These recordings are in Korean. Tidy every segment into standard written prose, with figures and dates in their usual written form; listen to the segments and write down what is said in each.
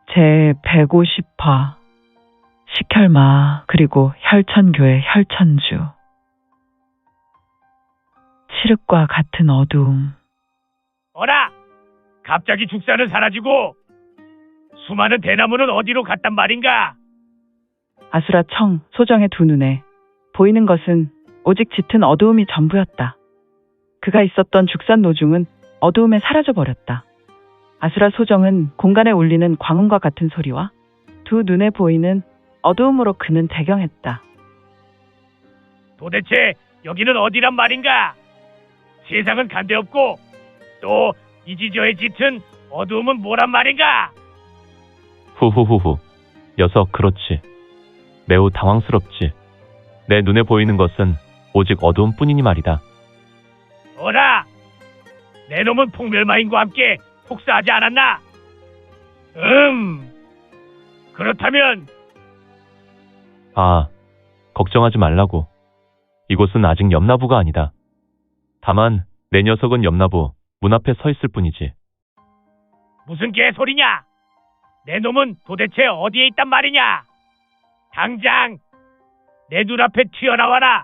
제 150화 식혈마 그리고 혈천교의 혈천주. 칠흑과 같은 어두움. 어라! 갑자기 죽사는 사라지고 수많은 대나무는 어디로 갔단 말인가? 아수라 청 소정의 두 눈에 보이는 것은 오직 짙은 어두움이 전부였다. 그가 있었던 죽산 노중은 어두움에 사라져 버렸다. 아수라 소정은 공간에 울리는 광음과 같은 소리와 두 눈에 보이는 어두움으로 그는 대경했다. 도대체 여기는 어디란 말인가? 세상은 간데없고 또 이지저의 짙은 어두움은 뭐란 말인가? 후후후후. 녀석 그렇지. 매우 당황스럽지. 내 눈에 보이는 것은 오직 어두움뿐이니 말이다. 어라! 내 놈은 폭멸마인과 함께 폭사하지 않았나? 그렇다면 아, 걱정하지 말라고. 이곳은 아직 염라부가 아니다. 다만 내 녀석은 염라부 문 앞에 서 있을 뿐이지. 무슨 개소리냐? 내 놈은 도대체 어디에 있단 말이냐? 당장 내 눈앞에 튀어나와라.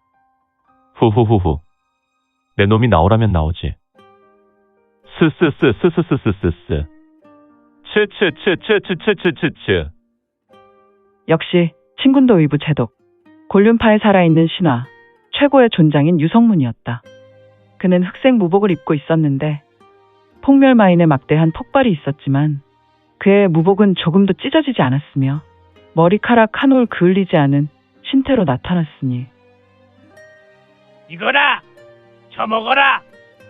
후후후후. 내 놈이 나오라면 나오지. 스스스스스스스스스. 츠츠츠츠츠츠츠츠. 역시 친군도 의부 제독, 곤륜파에 살아있는 신화, 최고의 존장인 유성문이었다. 그는 흑색 무복을 입고 있었는데 폭멸마인의 막대한 폭발이 있었지만 그의 무복은 조금도 찢어지지 않았으며 머리카락 한 올 그을리지 않은 신태로 나타났으니 이거라! 처먹어라!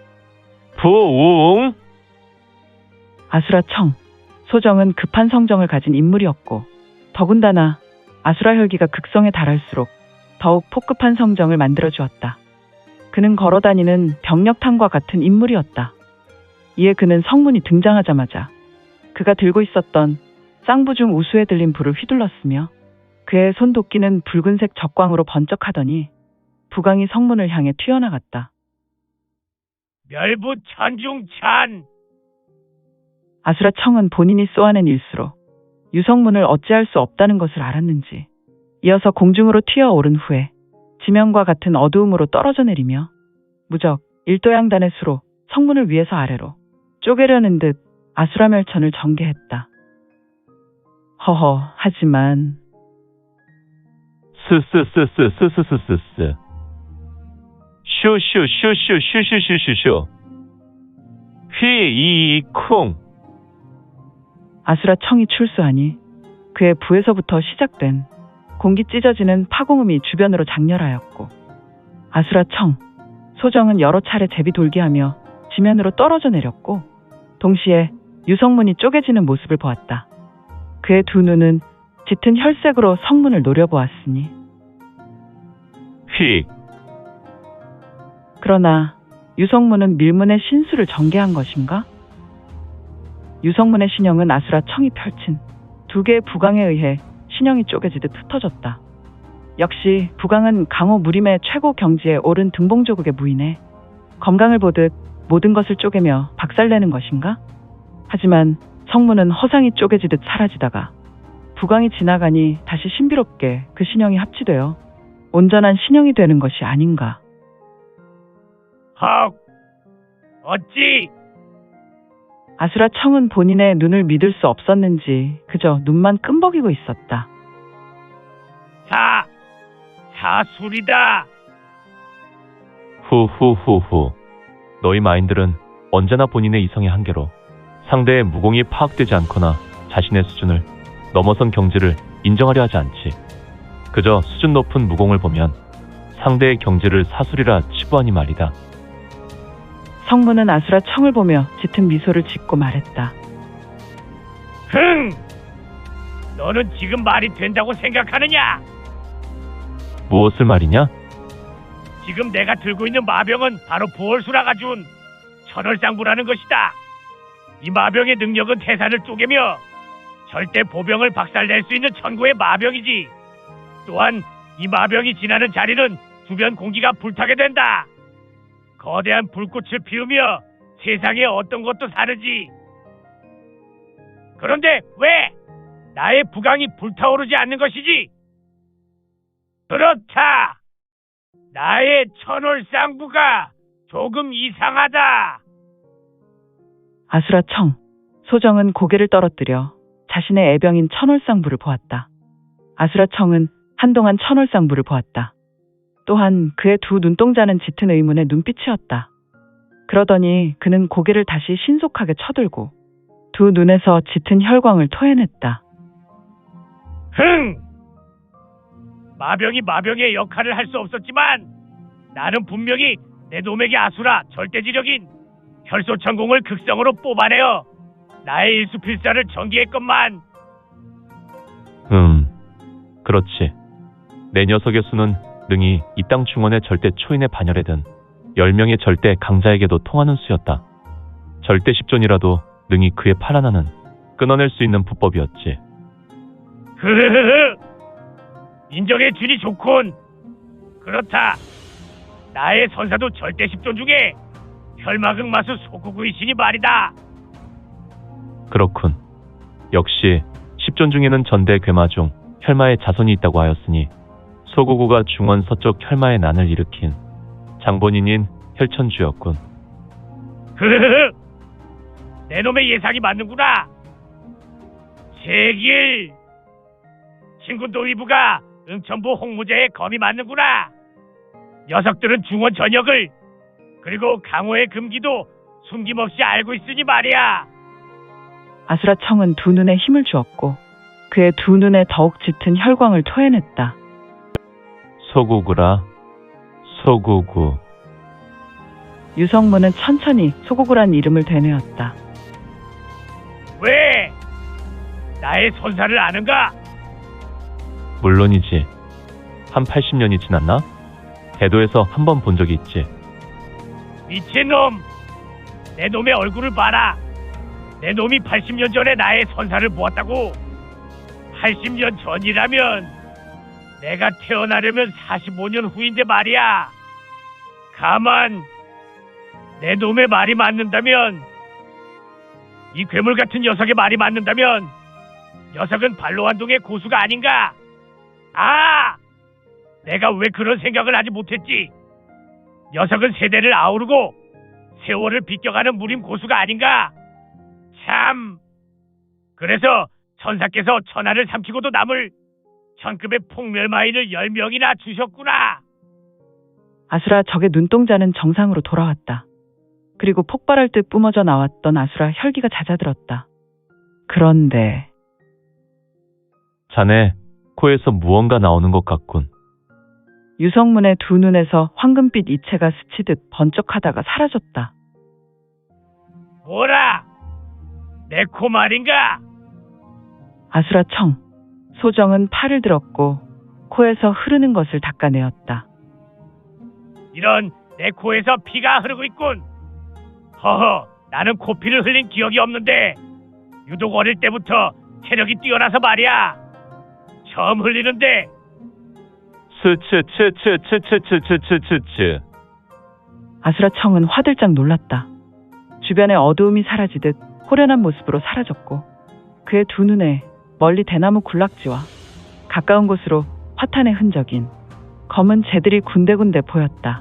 부웅. 아수라 청 소정은 급한 성정을 가진 인물이었고 더군다나 아수라 혈기가 극성에 달할수록 더욱 폭급한 성정을 만들어 주었다. 그는 걸어다니는 병력탄과 같은 인물이었다. 이에 그는 성문이 등장하자마자 그가 들고 있었던 쌍부 중 우수에 들린 불을 휘둘렀으며 그의 손도끼는 붉은색 적광으로 번쩍하더니 부강이 성문을 향해 튀어나갔다. 멸부 천중찬! 아수라 청은 본인이 쏘아낸 일수로 유성문을 어찌할 수 없다는 것을 알았는지 이어서 공중으로 튀어오른 후에 지면과 같은 어두움으로 떨어져 내리며 무적 일도양단의 수로 성문을 위에서 아래로 쪼개려는 듯 아수라 멸천을 전개했다. 허허, 하지만 스스스스스스스스스. 슈슈슈슈슈슈슈슈슈. 휘이쿵. 아수라 청이 출수하니 그의 부에서부터 시작된 공기 찢어지는 파공음이 주변으로 장렬하였고 아수라 청 소정은 여러 차례 제비 돌기하며 지면으로 떨어져 내렸고 동시에 유성문이 쪼개지는 모습을 보았다. 그의 두 눈은 짙은 혈색으로 성문을 노려보았으니 휙. 그러나 유성문은 밀문의 신수를 전개한 것인가? 유성문의 신형은 아수라 청이 펼친 두 개의 부강에 의해 신형이 쪼개지듯 흩어졌다. 역시 부강은 강호 무림의 최고 경지에 오른 등봉조국의 무인에 검강을 보듯 모든 것을 쪼개며 박살내는 것인가? 하지만 성문은 허상이 쪼개지듯 사라지다가 부강이 지나가니 다시 신비롭게 그 신형이 합치되어 온전한 신형이 되는 것이 아닌가. 헉! 어찌? 아수라 청은 본인의 눈을 믿을 수 없었는지 그저 눈만 끔벅이고 있었다. 사술이다. 후후후후. 너희 마인들은 언제나 본인의 이성의 한계로 상대의 무공이 파악되지 않거나 자신의 수준을 넘어선 경지를 인정하려 하지 않지. 그저 수준 높은 무공을 보면 상대의 경지를 사술이라 치부하니 말이다. 성문은 아수라 청을 보며 짙은 미소를 짓고 말했다. 너는 지금 말이 된다고 생각하느냐? 무엇을 말이냐? 지금 내가 들고 있는 마병은 바로 부월수라가 준 천월상부라는 것이다. 이 마병의 능력은 태산을 쪼개며 절대 보병을 박살낼 수 있는 천고의 마병이지. 또한 이 마병이 지나는 자리는 주변 공기가 불타게 된다. 거대한 불꽃을 피우며 세상에 어떤 것도 사르지. 그런데 왜 나의 부강이 불타오르지 않는 것이지? 그렇다. 나의 천월상부가 조금 이상하다. 아수라 청. 소정은 고개를 떨어뜨려 자신의 애병인 천월상부를 보았다. 아수라 청은 한동안 천월상부를 보았다. 또한 그의 두 눈동자는 짙은 의문의 눈빛이었다. 그러더니 그는 고개를 다시 신속하게 쳐들고 두 눈에서 짙은 혈광을 토해냈다. 흥! 마병이 마병의 역할을 할 수 없었지만 나는 분명히 내 놈에게 아수라 절대지력인 혈소천공을 극성으로 뽑아내어 나의 일수필사를 전개했건만. 그렇지. 내 녀석의 수는 능히 이 땅 중원의 절대 초인의 반열에 든 10명의 절대 강자에게도 통하는 수였다. 절대 10존이라도 능히 그의 팔 하나는 끊어낼 수 있는 부법이었지. 흐흐흐흐. 인정해 주니 좋군. 그렇다. 나의 선사도 절대 10존 중에 혈마극마수 소구구이시니 말이다. 그렇군. 역시 10존 중에는 전대 괴마 중 혈마의 자손이 있다고 하였으니 소구구가 중원 서쪽 혈마의 난을 일으킨 장본인인 혈천주였군. 흐흐흐. 내 놈의 예상이 맞는구나. 제길. 친구 노이부가 응천부 홍무제의 검이 맞는구나. 녀석들은 중원 전역을 그리고 강호의 금기도 숨김없이 알고 있으니 말이야. 아수라 청은 두 눈에 힘을 주었고 그의 두 눈에 더욱 짙은 혈광을 토해냈다. 소구구라. 소구구. 유성문은 천천히 소구구란 이름을 되뇌었다. 왜? 나의 선사를 아는가? 물론이지. 한 80년이 지났나? 대도에서 한 번 본 적이 있지. 미친놈! 내 놈의 얼굴을 봐라. 내 놈이 80년 전에 나의 선사를 보았다고. 80년 전이라면 내가 태어나려면 45년 후인데 말이야. 가만 내 놈의 말이 맞는다면, 이 괴물 같은 녀석의 말이 맞는다면 녀석은 발로한동의 고수가 아닌가? 아! 내가 왜 그런 생각을 하지 못했지? 녀석은 세대를 아우르고 세월을 비껴가는 무림 고수가 아닌가? 참! 그래서 천사께서 천하를 삼키고도 남을 천급의 폭멸마인을 10명이나 주셨구나. 아수라 적의 눈동자는 정상으로 돌아왔다. 그리고 폭발할 듯 뿜어져 나왔던 아수라 혈기가 잦아들었다. 그런데 자네 코에서 무언가 나오는 것 같군. 유성문의 두 눈에서 황금빛 이체가 스치듯 번쩍하다가 사라졌다. 뭐라? 내 코 말인가? 아수라 청. 소정은 팔을 들었고 코에서 흐르는 것을 닦아내었다. 이런, 내 코에서 피가 흐르고 있군. 허허, 나는 코피를 흘린 기억이 없는데 유독 어릴 때부터 체력이 뛰어나서 말이야. 처음 흘리는데. 스츠츠츠츠츠츠츠츠츠. 아수라 청은 화들짝 놀랐다. 주변의 어두움이 사라지듯 호련한 모습으로 사라졌고 그의 두 눈에 멀리 대나무 군락지와 가까운 곳으로 화탄의 흔적인 검은 재들이 군데군데 보였다.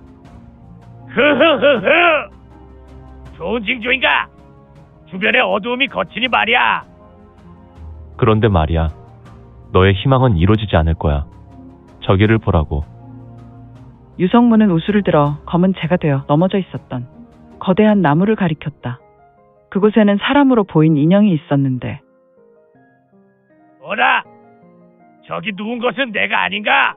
흐흐흐흐. 좋은 징조인가? 주변의 어두움이 거치니 말이야. 그런데 말이야. 너의 희망은 이루어지지 않을 거야. 저기를 보라고. 유성문은 우수를 들어 검은 재가 되어 넘어져 있었던 거대한 나무를 가리켰다. 그곳에는 사람으로 보인 인형이 있었는데. 뭐라? 저기 누운 것은 내가 아닌가?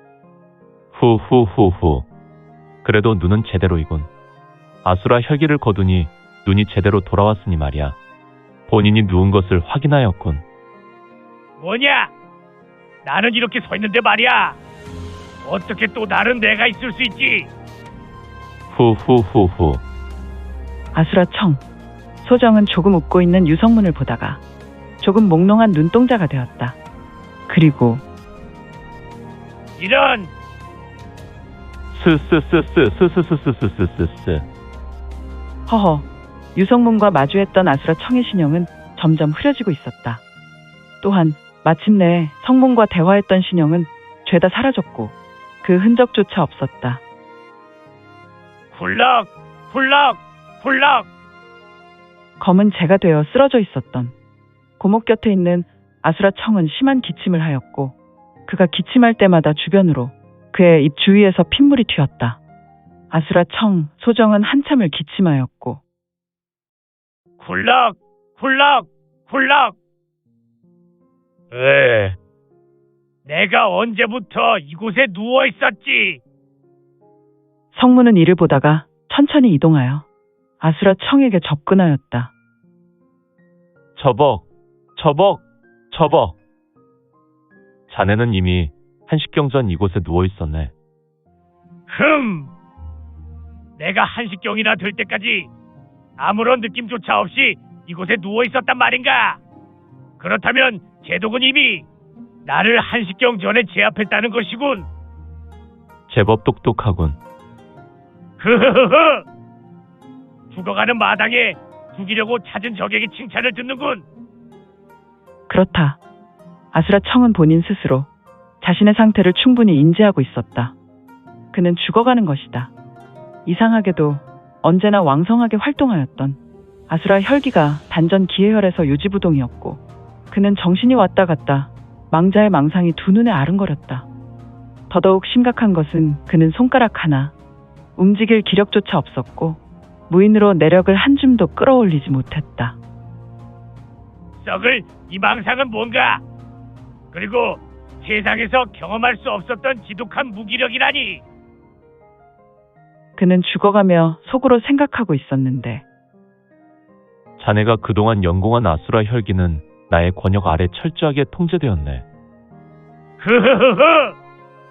후후후후. 그래도 눈은 제대로이군. 아수라 혈기를 거두니 눈이 제대로 돌아왔으니 말이야. 본인이 누운 것을 확인하였군. 뭐냐? 나는 이렇게 서 있는데 말이야. 어떻게 또 다른 내가 있을 수 있지? 후후후후. 아수라 청. 소정은 조금 웃고 있는 유성문을 보다가 조금 몽롱한 눈동자가 되었다. 그리고 이런. 스스스스스스스스스스스. 허허. 유성문과 마주했던 아수라 청의 신형은 점점 흐려지고 있었다. 또한 마침내 성문과 대화했던 신형은 죄다 사라졌고 그 흔적조차 없었다. 훌럭, 훌럭, 훌럭. 검은 재가 되어 쓰러져 있었던 고목 곁에 있는 아수라 청은 심한 기침을 하였고 그가 기침할 때마다 주변으로 그의 입 주위에서 핏물이 튀었다. 아수라 청, 소정은 한참을 기침하였고 훌럭, 훌럭, 훌럭. 내가 언제부터 이곳에 누워 있었지? 성문은 이를 보다가 천천히 이동하여 아수라 청에게 접근하였다. 저벅, 저벅, 저벅. 자네는 이미 한식경 전 이곳에 누워 있었네. 내가 한식경이나 될 때까지 아무런 느낌조차 없이 이곳에 누워 있었단 말인가? 그렇다면 제독은 이미 나를 한식경 전에 제압했다는 것이군. 제법 똑똑하군. 흐흐흐흐. 죽어가는 마당에 죽이려고 찾은 적에게 칭찬을 듣는군. 그렇다. 아수라 청은 본인 스스로 자신의 상태를 충분히 인지하고 있었다. 그는 죽어가는 것이다. 이상하게도 언제나 왕성하게 활동하였던 아수라 혈기가 단전 기해혈에서 요지부동이었고 그는 정신이 왔다 갔다 망자의 망상이 두 눈에 아른거렸다. 더더욱 심각한 것은 그는 손가락 하나 움직일 기력조차 없었고 무인으로 내력을 한 줌도 끌어올리지 못했다. 썩을 이 망상은 뭔가? 그리고 세상에서 경험할 수 없었던 지독한 무기력이라니. 그는 죽어가며 속으로 생각하고 있었는데 자네가 그동안 연공한 아수라 혈기는 나의 권역 아래 철저하게 통제되었네. 흐흐흐흐.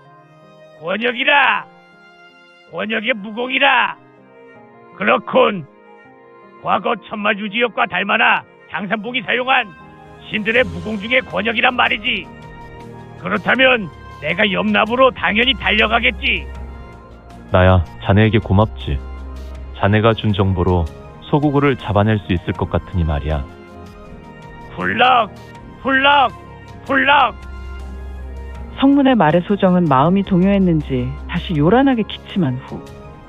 권역이라. 권역의 무공이라. 그렇군. 과거 천마유지역과 닮아나 장산봉이 사용한 신들의 무공 중의 권역이란 말이지. 그렇다면 내가 염납으로 당연히 달려가겠지. 나야 자네에게 고맙지. 자네가 준 정보로 소구구를 잡아낼 수 있을 것 같으니 말이야. 훌럭, 훌럭, 훌럭. 성문의 말에 소정은 마음이 동요했는지 다시 요란하게 기침한 후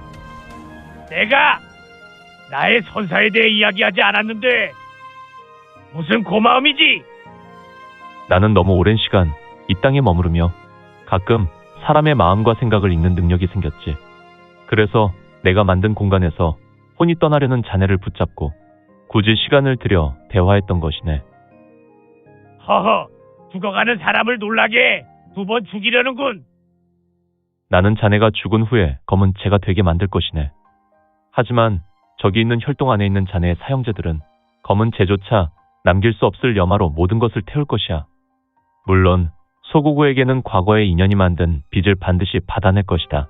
내가 나의 선사에 대해 이야기하지 않았는데 무슨 고마움이지? 나는 너무 오랜 시간 이 땅에 머무르며 가끔 사람의 마음과 생각을 읽는 능력이 생겼지. 그래서 내가 만든 공간에서 혼이 떠나려는 자네를 붙잡고 굳이 시간을 들여 대화했던 것이네. 허허, 죽어가는 사람을 놀라게 두 번 죽이려는군. 나는 자네가 죽은 후에 검은 재가 되게 만들 것이네. 하지만 저기 있는 혈동 안에 있는 자네의 사형제들은 검은 재조차 남길 수 없을 염화로 모든 것을 태울 것이야. 물론 소구구에게는 과거의 인연이 만든 빚을 반드시 받아낼 것이다.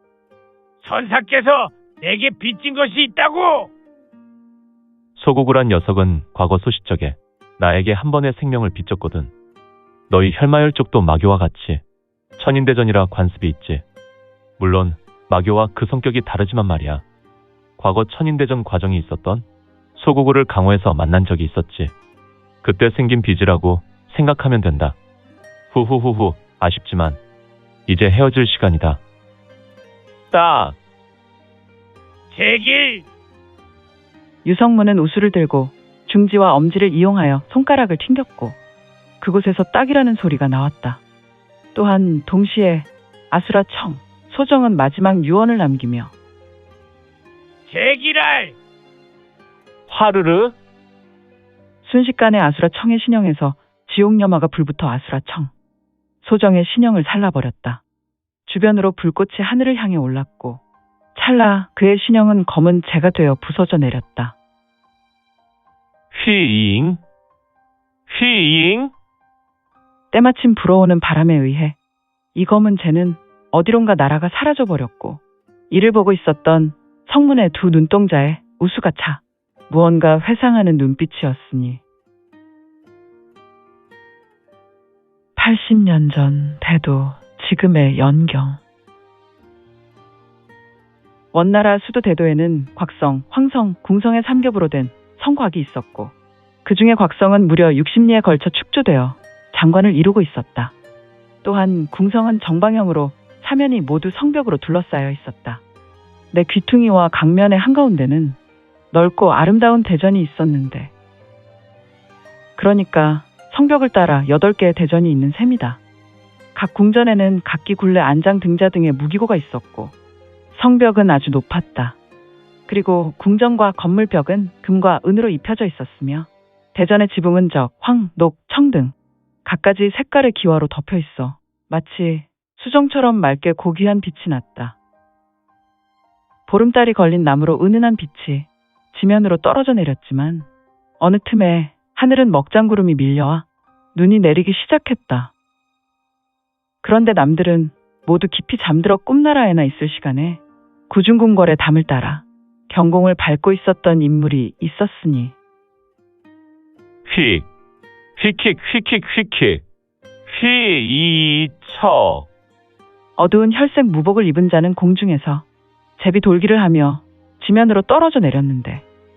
선사께서 내게 빚진 것이 있다고? 소구구란 녀석은 과거 소시적에 나에게 한 번의 생명을 빚졌거든. 너희 혈마혈 쪽도 마교와 같이 천인대전이라 관습이 있지. 물론 마교와 그 성격이 다르지만 말이야. 과거 천인대전 과정이 있었던 소구구를 강호에서 만난 적이 있었지. 그때 생긴 빚이라고 생각하면 된다. 후후후후, 아쉽지만 이제 헤어질 시간이다. 딱! 제길! 유성문은 우수를 들고 중지와 엄지를 이용하여 손가락을 튕겼고 그곳에서 딱이라는 소리가 나왔다. 또한 동시에 아수라 청, 소정은 마지막 유언을 남기며 제길알! 화르르? 순식간에 아수라 청의 신형에서 지옥염화가 불붙어 아수라 청, 소정의 신형을 살라버렸다. 주변으로 불꽃이 하늘을 향해 올랐고 찰나 그의 신형은 검은 재가 되어 부서져 내렸다. 휘잉? 휘잉? 때마침 불어오는 바람에 의해 이 검은 재는 어디론가 날아가 사라져버렸고 이를 보고 있었던 성문의 두 눈동자에 우수가 차 무언가 회상하는 눈빛이었으니 80년 전 대도 지금의 연경. 원나라 수도 대도에는 곽성, 황성, 궁성의 삼겹으로 된 성곽이 있었고 그 중에 곽성은 무려 60리에 걸쳐 축조되어 장관을 이루고 있었다. 또한 궁성은 정방형으로 사면이 모두 성벽으로 둘러싸여 있었다. 내 귀퉁이와 강면의 한가운데는 넓고 아름다운 대전이 있었는데, 그러니까 성벽을 따라 8개의 대전이 있는 셈이다. 각 궁전에는 각기 굴레 안장 등자 등의 무기고가 있었고 성벽은 아주 높았다. 그리고 궁전과 건물벽은 금과 은으로 입혀져 있었으며 대전의 지붕은 적, 황, 녹, 청 등 갖가지 색깔의 기와로 덮여 있어 마치 수정처럼 맑게 고귀한 빛이 났다. 보름달이 걸린 나무로 은은한 빛이 지면으로 떨어져 내렸지만 어느 틈에 하늘은 먹장구름이 밀려와 눈이 내리기 시작했다. 그런데 남들은 모두 깊이 잠들어 꿈나라에나 있을 시간에 구중궁궐의 담을 따라 경공을 밟고 있었던 인물이 있었으니 휙, 휙휙, 휙휙, 휙휙, 휘이처. 어두운 혈색 무복을 입은 자는 공중에서 제비 돌기를 하며 지면으로 떨어져 내렸는데,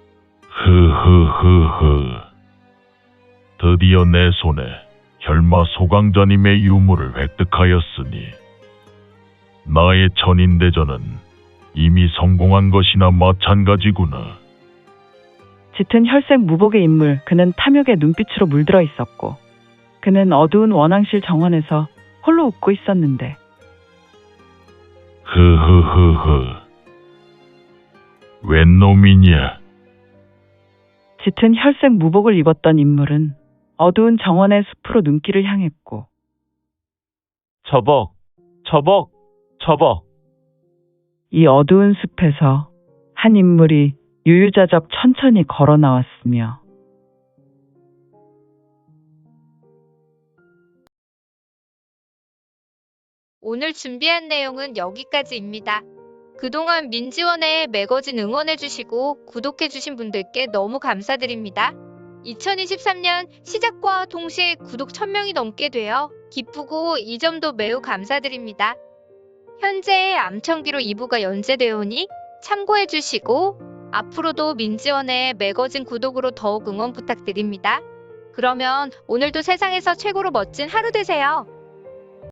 흐흐흐흐. 드디어 내 손에 혈마 소강자님의 유물을 획득하였으니 나의 천인대전은 이미 성공한 것이나 마찬가지구나. 짙은 혈색 무복의 인물, 그는 탐욕의 눈빛으로 물들어 있었고 그는 어두운 원앙실 정원에서 홀로 웃고 있었는데, 흐흐흐흐. 웬 놈이냐? 짙은 혈색 무복을 입었던 인물은 어두운 정원의 숲으로 눈길을 향했고, 저벅, 저벅, 저벅. 이 어두운 숲에서 한 인물이 유유자적 천천히 걸어 나왔으며 오늘 준비한 내용은 여기까지입니다. 그동안 민지원에 매거진 응원해주시고 구독해주신 분들께 너무 감사드립니다. 2023년 시작과 동시에 구독 1000명이 넘게 되어 기쁘고 이 점도 매우 감사드립니다. 현재 암청기로 2부가 연재되어 오니 참고해주시고 앞으로도 민지원의 매거진 구독으로 더욱 응원 부탁드립니다. 그러면 오늘도 세상에서 최고로 멋진 하루 되세요.